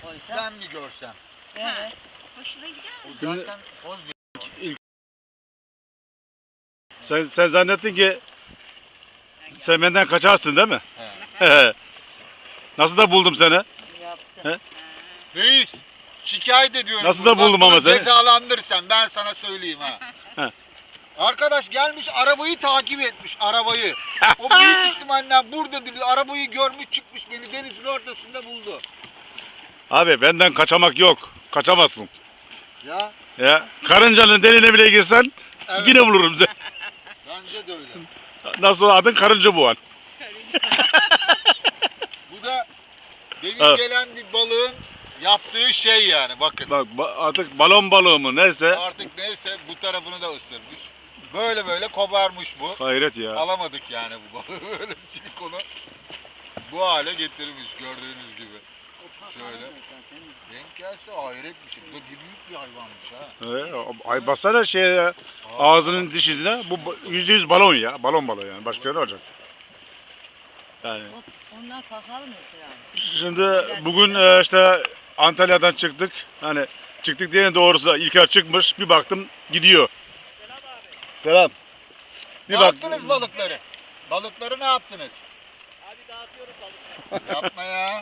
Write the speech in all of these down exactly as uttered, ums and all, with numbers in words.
koysa. Ben mi görsem? Evet. Hoşuna gider mi? O zaten poz veriyor. Sen, sen zannettin ki sen benden kaçarsın değil mi? He. Nasıl da buldum seni? Yaptı. He? Reis, şikayet ediyorum. Nasıl da bunu. Bak buldum ama bunu seni? Cezalandır sen, ben sana söyleyeyim ha. He. Arkadaş gelmiş arabayı takip etmiş, arabayı. O büyük ihtimalle burada duruyor, arabayı görmüş çıkmış, beni denizin ortasında buldu. Abi benden kaçamak yok. Kaçamazsın. Ya, Ya karıncanın deliğine bile girsen evet. yine bulurum seni. Bence de öyle. Nasıl adın karınca bu an. Bu da demin Evet. gelen bir balığın yaptığı şey yani, bakın. Bak ba- artık balon balığı mı neyse. Artık neyse bu tarafını da ısırmış. Böyle böyle kobarmış bu. Hayret ya. Alamadık yani bu balığı. Böyle silikonu bu hale getirmiş gördüğünüz gibi. Şöyle. Denk gelse hayret bir şey. Bu da bir büyük bir hayvanmış ha. Ee, ay baksana şeye ağzının diş izine bu ba- yüzde yüz balon ya. Balon balığı yani. Başka ne olacak? Yani. Onlar pahalı mı yani? Şimdi bugün e, işte Antalya'dan çıktık. Hani çıktık diye doğrusu İlker çıkmış. Bir baktım gidiyor. Selam. Bir Ne bak. yaptınız balıkları? Balıkları ne yaptınız? Abi dağıtıyoruz balıkları. Yapma ya.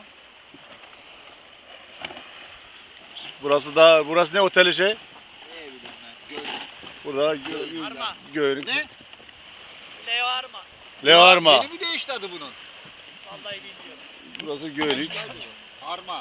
Burası da burası ne oteli şey? Ne bileyim ben. Gördüm. Burada gö Arma. Göğünük. Ne? Leo Arma. Levarma. Yeni mi değişti adı bunun? Vallahi bilmiyorum. Burası Göğünük. Arma.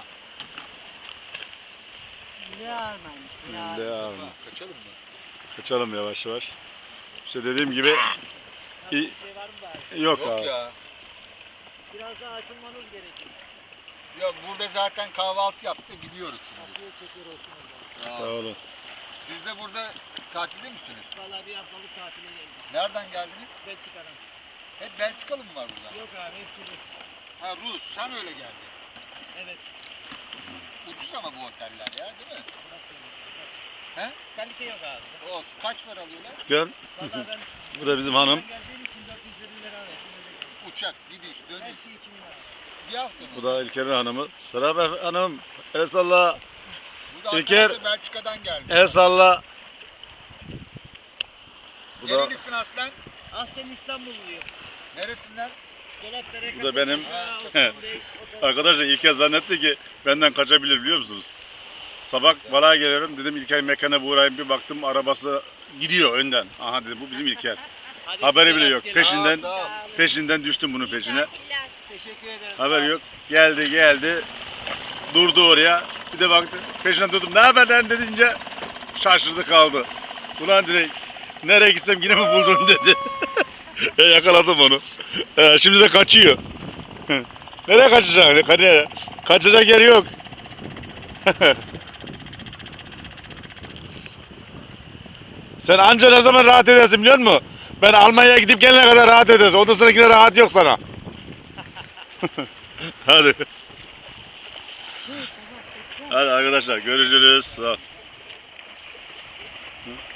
Ne almaymış? Ne Levarma. Ha, kaçalım mı? Kaçalım yavaş yavaş. İşte dediğim gibi Nasıl İyi. bir şey var mı bari? yok, Yok abi. ya. Biraz daha açılmanız gerekiyor. Ya burada zaten kahvaltı yaptı gidiyoruz şimdi. Kapıyı çekiyor olsun orada. Ya, Sağ olun. siz de burada tatilde misiniz? Vallahi bir haftalık tatile geldik. Nereden geldiniz? Belçika'dan. Hep Belçikalı mı var burada? Yok abi hepsi Rus. Ha Rus, sen öyle geldin. Evet. Ucuz ama bu oteller ya değil mi? Nasıl olur? He? Kalite yok abi. O kaç para alıyorlar? Gel. Vallahi ben Bu da bizim hanım. ben geldiğim için dört yüz yirmi lira verdim. öyle geldim. Uçak, gidiş, Her dönüş. şey iki bin lira. Bir hafta mı? Bu da İlker'in hanımı. Selam efe- hanım. El salla. Bu da İlker- arkadaşı Belçika'dan gelmiş. El salla. Bu da, Nerelisin aslen? Aslen İstanbulluyum. Neresinden? Dolapdere Bu da benim- Ha, Osman Bey, o da- arkadaşlar İlker zannetti ki benden kaçabilir biliyor musunuz? Sabah balığa geliyorum dedim İlker mekana uğrayayım bir baktım arabası gidiyor önden. Aha dedi bu bizim İlker. Hadi Haberi size bile yok. rastgele. Peşinden Sağ ol. peşinden düştüm bunun peşine. Teşekkür ederim. Haber yok. Geldi geldi. Durdu oraya. Bir de baktı. Peşinden durdum. Ne haber lan dedince şaşırdı kaldı. Ulan direkt nereye gitsem yine mi buldun dedi. E, yakaladım onu. E, şimdi de kaçıyor. Nereye kaçacak? Nereye? Kaçacak yer yok. Sen anca ne zaman rahat edersin biliyor musun? Ben Almanya'ya gidip gelene kadar rahat edersin. Ondan sonrakine rahat yok sana. Hadi. Hadi arkadaşlar görüşürüz. Sağ ol.